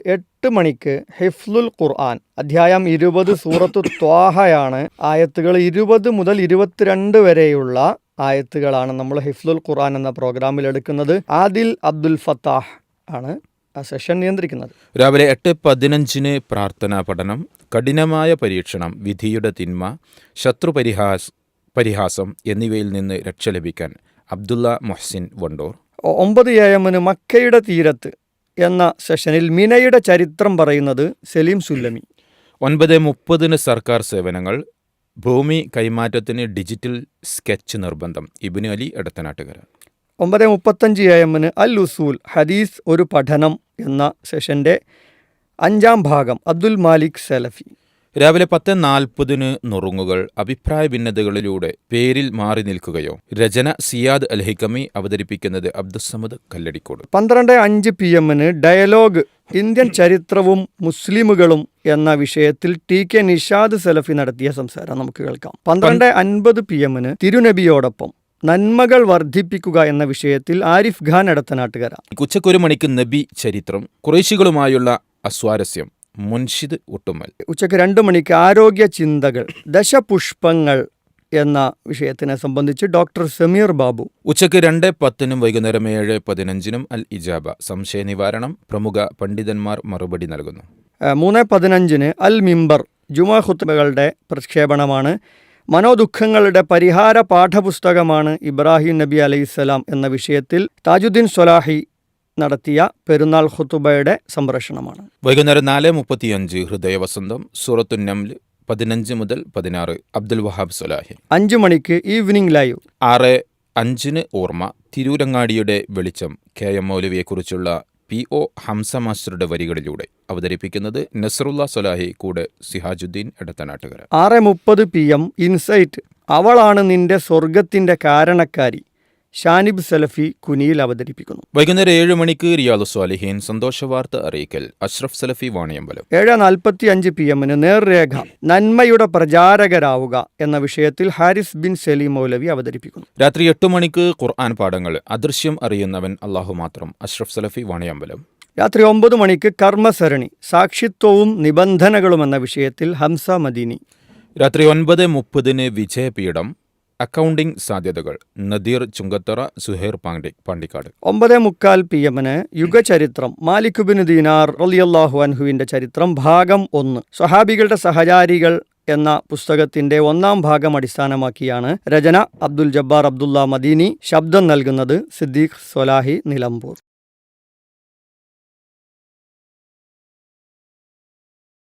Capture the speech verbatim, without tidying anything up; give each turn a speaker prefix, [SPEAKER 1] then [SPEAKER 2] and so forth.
[SPEAKER 1] എട്ട് മണിക്ക് ഹിഫ്ലുൽ ഖുർആൻ അധ്യായം ഇരുപത് സൂറത്തു ത്വാഹയാണ്. ആയത്തുകൾ ഇരുപത് മുതൽ ഇരുപത്തിരണ്ട് വരെയുള്ള ആയത്തുകളാണ് നമ്മൾ ഹിഫ്ലുൽ ഖുർആൻ എന്ന പ്രോഗ്രാമിൽ എടുക്കുന്നത്. ആദിൽ അബ്ദുൽ ഫത്താഹ് ആണ് ആ സെഷൻ നിയന്ത്രിക്കുന്നത്.
[SPEAKER 2] രാവിലെ എട്ട് പതിനഞ്ചിന് പ്രാർത്ഥനാ പഠനം, കഠിനമായ പരീക്ഷണം, വിധിയുടെ തിന്മ, ശത്രു പരിഹാസ് പരിഹാസം എന്നിവയിൽ നിന്ന് രക്ഷ ലഭിക്കാൻ അബ്ദുള്ള മൊഹ്സിൻ വണ്ടൂർ.
[SPEAKER 1] ഒമ്പത് എ എമ്മിന് മക്കയുടെ തീരത്ത് എന്ന സെഷനിൽ മിനയുടെ ചരിത്രം പറയുന്നത് സലീം സുല്ലമി.
[SPEAKER 2] ഒൻപത് മുപ്പതിന് സർക്കാർ സേവനങ്ങൾ, ഭൂമി കൈമാറ്റത്തിന് ഡിജിറ്റൽ സ്കെച്ച് നിർബന്ധം, ഇബ്നു അലി എടത്തനാട്ടുകര.
[SPEAKER 1] ഒമ്പത് മുപ്പത്തഞ്ച് എ എമ്മിന് അൽ ഉസൂൽ ഹദീസ് ഒരു പഠനം എന്ന സെഷൻ്റെ അഞ്ചാം ഭാഗം അബ്ദുൽ മാലിക് സലഫി.
[SPEAKER 2] രാവിലെ പത്ത് നാൽപ്പതിന് നുറുങ്ങുകൾ, അഭിപ്രായ ഭിന്നതകളിലൂടെ പേരിൽ മാറി നിൽക്കുകയോ, രചന സിയാദ് അൽ ഹിക്കമി, അവതരിപ്പിക്കുന്നത് അബ്ദുസ്സമദ് കല്ലടിക്കോട്.
[SPEAKER 1] പന്ത്രണ്ട് അഞ്ച് പി എമ്മിന് ഡയലോഗ് ഇന്ത്യൻ ചരിത്രവും മുസ്ലിമുകളും എന്ന വിഷയത്തിൽ ടി കെ നിഷാദ് സലഫി നടത്തിയ സംസാരം നമുക്ക് കേൾക്കാം. പന്ത്രണ്ട് അൻപത് പി എമ്മിന് തിരുനബിയോടൊപ്പം നന്മകൾ വർദ്ധിപ്പിക്കുക എന്ന വിഷയത്തിൽ ആരിഫ് ഖാൻ എടത്തനാട്ടുകര.
[SPEAKER 2] ഉച്ചക്കൊരു മണിക്ക് നബി ചരിത്രം, ഖുറൈശികളുമായുള്ള അസ്വാരസ്യം, മുൻഷിദ് ഒട്ടുമൽ.
[SPEAKER 1] ഉച്ചയ്ക്ക് രണ്ട് മണിക്ക് ആരോഗ്യ ചിന്തകൾ, ദശപുഷ്പങ്ങൾ എന്ന വിഷയത്തിനെ സംബന്ധിച്ച് ഡോക്ടർ സമീർ ബാബു.
[SPEAKER 2] ഉച്ചയ്ക്ക് രണ്ട് പത്തിനും വൈകുന്നേരം ഏഴ് പതിനഞ്ചിനും അൽ ഇജാബ, സംശയ നിവാരണം, പ്രമുഖ പണ്ഡിതന്മാർ മറുപടി നൽകുന്നു.
[SPEAKER 1] മൂന്ന് പതിനഞ്ചിന് അൽ മിമ്പർ ജുമാ ഖുത്ബകളുടെ പ്രക്ഷേപണമാണ്. മനോദുഃഖങ്ങളുടെ പരിഹാര പാഠപുസ്തകമാണ് ഇബ്രാഹിം നബി അലൈഹിസ്സലാം എന്ന വിഷയത്തിൽ താജുദ്ദീൻ സ്വലാഹി നടത്തിയ പെരുന്നാൾ ഖുതുബയുടെ സംപ്രേഷണമാണ്.
[SPEAKER 2] വൈകുന്നേരം നാല് മുപ്പത്തിയഞ്ച് ഹൃദയവസന്തം, സൂറത്തു നംൽ പതിനഞ്ച് മുതൽ പതിനാറ്, അബ്ദുൽ വഹാബ് സ്വലാഹി.
[SPEAKER 1] അഞ്ചു മണിക്ക് ഈവനിംഗ് ലൈവ്.
[SPEAKER 2] ആറ് അഞ്ചിന് ഓർമ്മ, തിരൂരങ്ങാടിയുടെ വെളിച്ചം, കെ എം മൗലവിയെക്കുറിച്ചുള്ള പി ഒ ഹംസ മാസ്റ്ററുടെ വരികളിലൂടെ, അവതരിപ്പിക്കുന്നത് നസറുല്ല സ്വലാഹി, കൂടെ സിഹാജുദ്ദീൻ എടത്തനാട്ടുകര.
[SPEAKER 1] ആറ് മുപ്പത് പി എം ഇൻസൈറ്റ്, അവളാണ് നിന്റെ സ്വർഗത്തിന്റെ കാരണക്കാരി, ഷാനിബ് സലഫി കുനിയിൽ അവതരിപ്പിക്കുന്നു.
[SPEAKER 2] വൈകുന്നേരം ഏഴ് മണിക്ക് റിയാദു സ്വാലിഹീൻ, സന്തോഷവാർത്ത അറിയിക്കൽ, അഷ്റഫ് സലഫി വാണിയമ്പലം.
[SPEAKER 1] ഏഴ് നാൽപ്പത്തി അഞ്ച് പി എമ്മിന് നേർരേഖ, നന്മയുടെ പ്രചാരകരാവുക എന്ന വിഷയത്തിൽ ഹാരിസ് ബിൻ സലീം മൗലവി അവതരിപ്പിക്കുന്നു.
[SPEAKER 2] രാത്രി എട്ട് മണിക്ക് ഖുർആൻ പാഠങ്ങൾ, അദൃശ്യം അറിയുന്നവൻ അള്ളാഹു മാത്രം, അഷ്റഫ് സലഫി വാണിയമ്പലം.
[SPEAKER 1] രാത്രി ഒമ്പത് മണിക്ക് കർമ്മസരണി, സാക്ഷിത്വവും നിബന്ധനകളും എന്ന വിഷയത്തിൽ ഹംസ മദീനി.
[SPEAKER 2] രാത്രി ഒൻപത് മുപ്പതിന് വിജയപീഠം, അക്കൗണ്ടിംഗ് സാധ്യതകൾ, നദീർ ചുങ്കത്തറ, സുഹൈർ പാണ്ഡി പാണ്ടിക്കാട്.
[SPEAKER 1] ഒമ്പത് മുക്കാൽ പി എമ്മിന് യുഗചരിത്രം, മാലിക് ബിൻ ദീനാർ റളിയല്ലാഹു അൻഹുവിന്റെ ചരിത്രം ഭാഗം ഒന്ന്, സ്വഹാബികളുടെ സഹചാരികൾ എന്ന പുസ്തകത്തിന്റെ ഒന്നാം ഭാഗം അടിസ്ഥാനമാക്കിയാണ് രചന. അബ്ദുൽ ജബ്ബാർ അബ്ദുള്ള മദീനി. ശബ്ദം നൽകുന്നത് സിദ്ദീഖ് സ്വലാഹി നിലമ്പൂർ.